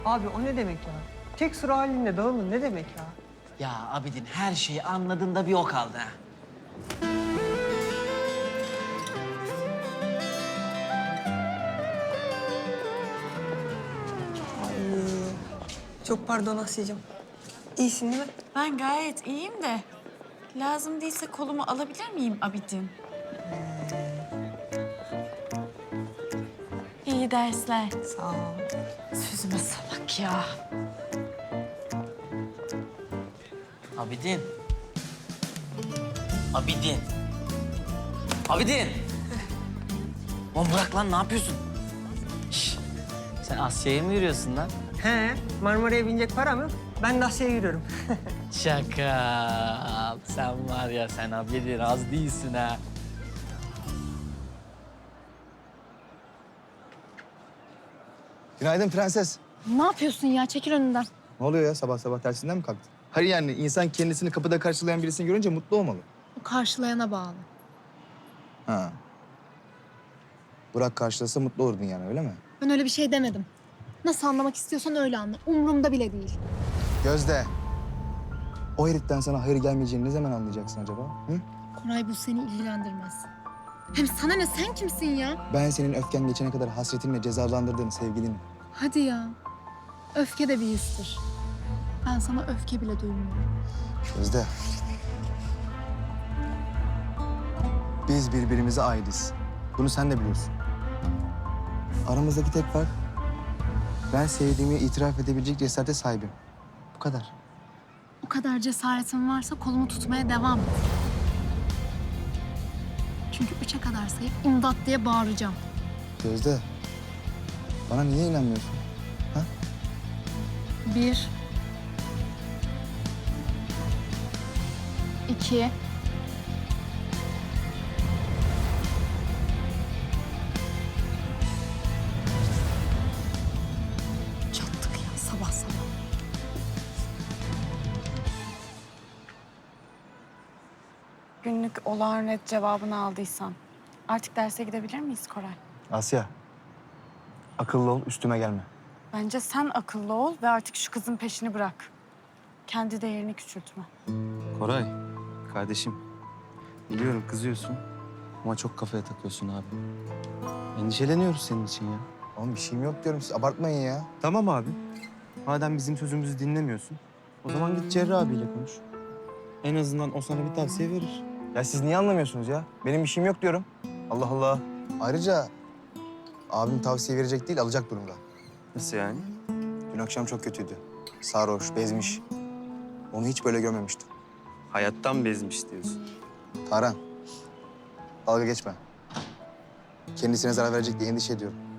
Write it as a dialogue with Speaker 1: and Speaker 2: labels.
Speaker 1: Abi o ne demek ya? Tek sıra halinde dağılın ne demek ya?
Speaker 2: Ya Abidin her şeyi anladın da bir o kaldı ha.
Speaker 1: Çok pardon Asya'cığım. İyisin değil mi?
Speaker 3: Ben gayet iyiyim de lazım değilse kolumu alabilir miyim Abidin? İyi dersler.
Speaker 1: Sağ ol.
Speaker 3: Sözüme salak ya.
Speaker 2: Abidin. Abidin. Abidin. Oğlum bırak lan ne yapıyorsun? Şş, sen Asya'ya mı yürüyorsun lan?
Speaker 1: He, Marmara'ya binecek para mı? Ben de Asya'ya yürüyorum.
Speaker 2: Şaka. Sen var ya sen Abidin az değilsin ha.
Speaker 4: Günaydın prenses.
Speaker 5: Ne yapıyorsun ya? Çekil önünden.
Speaker 4: Ne oluyor ya sabah sabah tersinden mi kalktın? Hayır yani insan kendisini kapıda karşılayan birisini görünce mutlu olmalı.
Speaker 5: Bu karşılayana bağlı.
Speaker 4: Ha. Burak karşılasa mutlu olurdun yani öyle mi?
Speaker 5: Ben öyle bir şey demedim. Nasıl anlamak istiyorsan öyle anla. Umurumda bile değil.
Speaker 4: Gözde. O heriften sana hayır gelmeyeceğini ne zaman anlayacaksın acaba? Hı?
Speaker 5: Koray bu seni ilgilendirmez. Hem sana ne? Sen kimsin ya?
Speaker 4: Ben senin öfken geçene kadar hasretinle cezalandırdığın sevgilinim.
Speaker 5: Hadi ya. Öfke de bir histir. Ben sana öfke bile duymuyorum.
Speaker 4: Gözde. Biz birbirimize aitiz. Bunu sen de biliyorsun. Aramızdaki tek fark ben sevdiğimi itiraf edebilecek cesarete sahibim. Bu kadar.
Speaker 5: O kadar cesaretin varsa kolumu tutmaya devam et. Çünkü 3'e kadar sayıp imdat diye bağıracağım.
Speaker 4: Gözde. Bana niye inanmıyorsun? Ha?
Speaker 5: 1 2 Çattık ya sabah sabah.
Speaker 3: Günlük olağan red cevabını aldıysan artık derse gidebilir miyiz Koray?
Speaker 4: Asya. Akıllı ol, üstüme gelme.
Speaker 3: Bence sen akıllı ol ve artık şu kızın peşini bırak. Kendi değerini küçültme.
Speaker 6: Koray, kardeşim. Biliyorum kızıyorsun ama çok kafaya takıyorsun abi. Endişeleniyoruz senin için ya.
Speaker 4: Oğlum bir şeyim yok diyorum. Siz abartmayın ya.
Speaker 6: Tamam abi. Madem bizim sözümüzü dinlemiyorsun, o zaman git Cerrah abiyle konuş. En azından o sana bir tavsiye verir.
Speaker 4: Ya siz niye anlamıyorsunuz ya? Benim bir şeyim yok diyorum. Allah Allah. Ayrıca abim tavsiye verecek değil, alacak durumda.
Speaker 6: Nasıl yani?
Speaker 4: Dün akşam çok kötüydü. Sarhoş, bezmiş. Onu hiç böyle görmemiştim.
Speaker 6: Hayattan bezmiş diyorsun.
Speaker 4: Tarhan, dalga geçme. Kendisine zarar verecek diye endişe ediyorum.